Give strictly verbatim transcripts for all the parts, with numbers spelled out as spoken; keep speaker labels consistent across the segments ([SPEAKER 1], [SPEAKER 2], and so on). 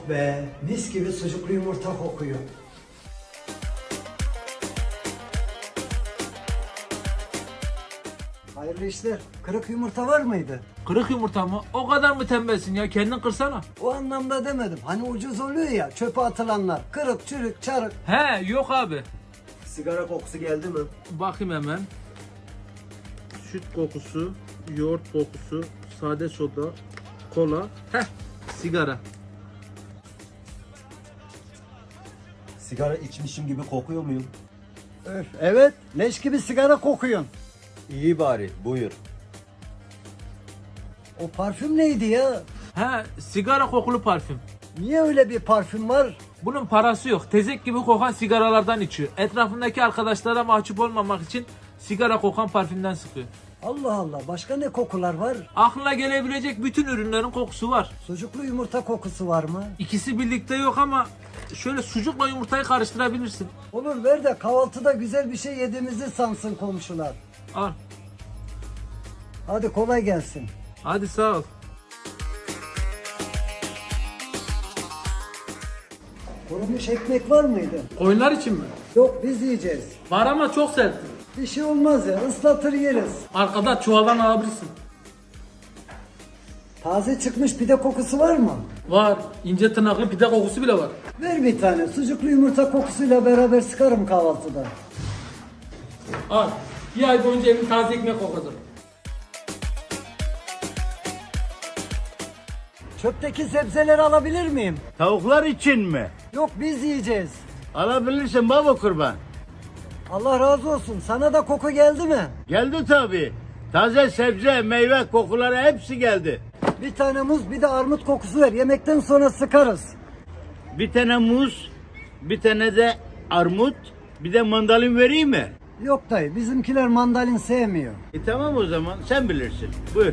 [SPEAKER 1] Oh be, mis gibi sucuklu yumurta kokuyor. Hayırlı işler. Kırık yumurta var mıydı?
[SPEAKER 2] Kırık yumurta mı? O kadar mı tembelsin ya? Kendin kırsana.
[SPEAKER 1] O anlamda demedim. Hani ucuz oluyor ya, çöpe atılanlar. Kırık, çürük, çarık.
[SPEAKER 2] He yok abi.
[SPEAKER 3] Sigara kokusu geldi mi?
[SPEAKER 2] Bakayım hemen. Süt kokusu, yoğurt kokusu, sade soda, kola. Heh, sigara.
[SPEAKER 3] Sigara içmişim gibi kokuyor muyum?
[SPEAKER 1] Öf, evet, leş gibi sigara kokuyorsun.
[SPEAKER 3] İyi bari, buyur.
[SPEAKER 1] O parfüm neydi ya?
[SPEAKER 2] He, sigara kokulu parfüm.
[SPEAKER 1] Niye öyle bir parfüm var?
[SPEAKER 2] Bunun parası yok. Tezek gibi kokan sigaralardan içiyor. Etrafındaki arkadaşlara mahcup olmamak için sigara kokan parfümden sıkıyor.
[SPEAKER 1] Allah Allah, başka ne kokular var?
[SPEAKER 2] Aklına gelebilecek bütün ürünlerin kokusu var.
[SPEAKER 1] Sucuklu yumurta kokusu var mı?
[SPEAKER 2] İkisi birlikte yok ama şöyle sucukla yumurtayı karıştırabilirsin.
[SPEAKER 1] Olur, ver de kahvaltıda güzel bir şey yediğimizi sansın komşular.
[SPEAKER 2] Al.
[SPEAKER 1] Hadi kolay gelsin.
[SPEAKER 2] Hadi sağ ol.
[SPEAKER 1] Kurumuş ekmek var mıydı?
[SPEAKER 2] Koyunlar için mi?
[SPEAKER 1] Yok, biz yiyeceğiz.
[SPEAKER 2] Var ama çok sert.
[SPEAKER 1] Bir şey olmaz ya, ıslatır yeriz.
[SPEAKER 2] Arkada çuvaldan alabilirsin.
[SPEAKER 1] Taze çıkmış pide kokusu var mı?
[SPEAKER 2] Var. İnce tırnaklı pide kokusu bile var.
[SPEAKER 1] Ver bir tane, sucuklu yumurta kokusuyla beraber sıkarım kahvaltıda.
[SPEAKER 2] Al. Bir ay boyunca evin taze ekmek kokacak.
[SPEAKER 1] Çöpteki sebzeleri alabilir miyim?
[SPEAKER 4] Tavuklar için mi?
[SPEAKER 1] Yok, biz yiyeceğiz.
[SPEAKER 4] Alabilirsin baba kurban.
[SPEAKER 1] Allah razı olsun. Sana da koku geldi mi?
[SPEAKER 4] Geldi tabii. Taze sebze, meyve kokuları hepsi geldi.
[SPEAKER 1] Bir tane muz, bir de armut kokusu ver. Yemekten sonra sıkarız.
[SPEAKER 4] Bir tane muz, bir tane de armut, bir de mandalin vereyim mi?
[SPEAKER 1] Yok dayı, bizimkiler mandalin sevmiyor.
[SPEAKER 4] E tamam o zaman sen bilirsin. Buyur.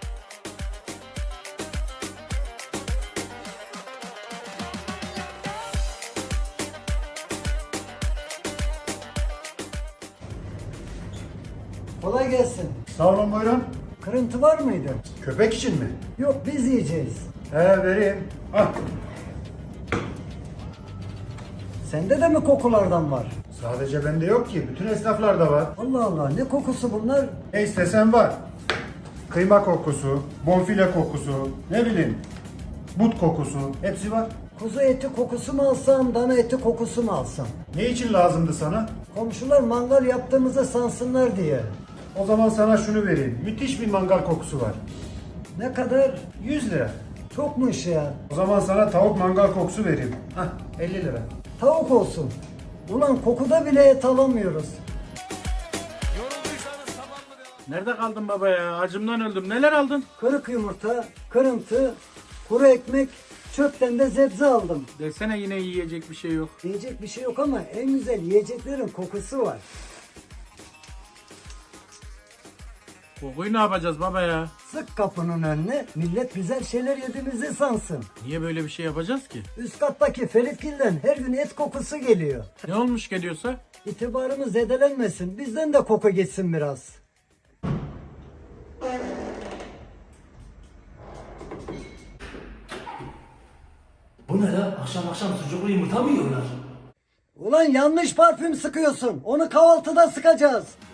[SPEAKER 1] Kolay gelsin.
[SPEAKER 5] Sağ olun, buyurun.
[SPEAKER 1] Kırıntı var mıydı?
[SPEAKER 5] Köpek için mi?
[SPEAKER 1] Yok, biz yiyeceğiz.
[SPEAKER 5] He, vereyim. Ah,
[SPEAKER 1] Sende de mi kokulardan var?
[SPEAKER 5] sadece bende yok ki. Bütün esnaflarda var.
[SPEAKER 1] Allah Allah, ne kokusu bunlar?
[SPEAKER 5] Ne istesen var. Kıyma kokusu, bonfile kokusu, ne bileyim, but kokusu. Hepsi var.
[SPEAKER 1] Kuzu eti kokusu mu alsam, dana eti kokusu mu alsam?
[SPEAKER 5] Ne için lazımdı sana?
[SPEAKER 1] Komşular mangal yaptığımızı sansınlar diye.
[SPEAKER 5] O zaman sana şunu vereyim. Müthiş bir mangal kokusu var.
[SPEAKER 1] Ne kadar?
[SPEAKER 5] yüz lira.
[SPEAKER 1] Çokmuş ya.
[SPEAKER 5] O zaman sana tavuk mangal kokusu vereyim. Hah, elli lira.
[SPEAKER 1] Tavuk olsun. Ulan kokuda bile et alamıyoruz.
[SPEAKER 4] Nerede kaldın baba ya? Acımdan öldüm. Neler aldın?
[SPEAKER 1] Kırık yumurta, kırıntı, kuru ekmek, çöpten de sebze aldım.
[SPEAKER 4] Desene yine yiyecek bir şey yok.
[SPEAKER 1] Yiyecek bir şey yok ama en güzel yiyeceklerin kokusu var.
[SPEAKER 4] Kokuyu ne yapacağız baba ya?
[SPEAKER 1] Sık kapının önüne, millet güzel şeyler yediğimizi sansın.
[SPEAKER 4] Niye böyle bir şey yapacağız ki?
[SPEAKER 1] Üst kattaki Feritgil'den her gün et kokusu geliyor.
[SPEAKER 4] Ne olmuş geliyorsa?
[SPEAKER 1] İtibarımız zedelenmesin, bizden de koku geçsin biraz.
[SPEAKER 6] Bu ne la? Akşam akşam sucuklu yumurta mı yiyorlar?
[SPEAKER 1] Ulan yanlış parfüm sıkıyorsun, onu kahvaltıda sıkacağız.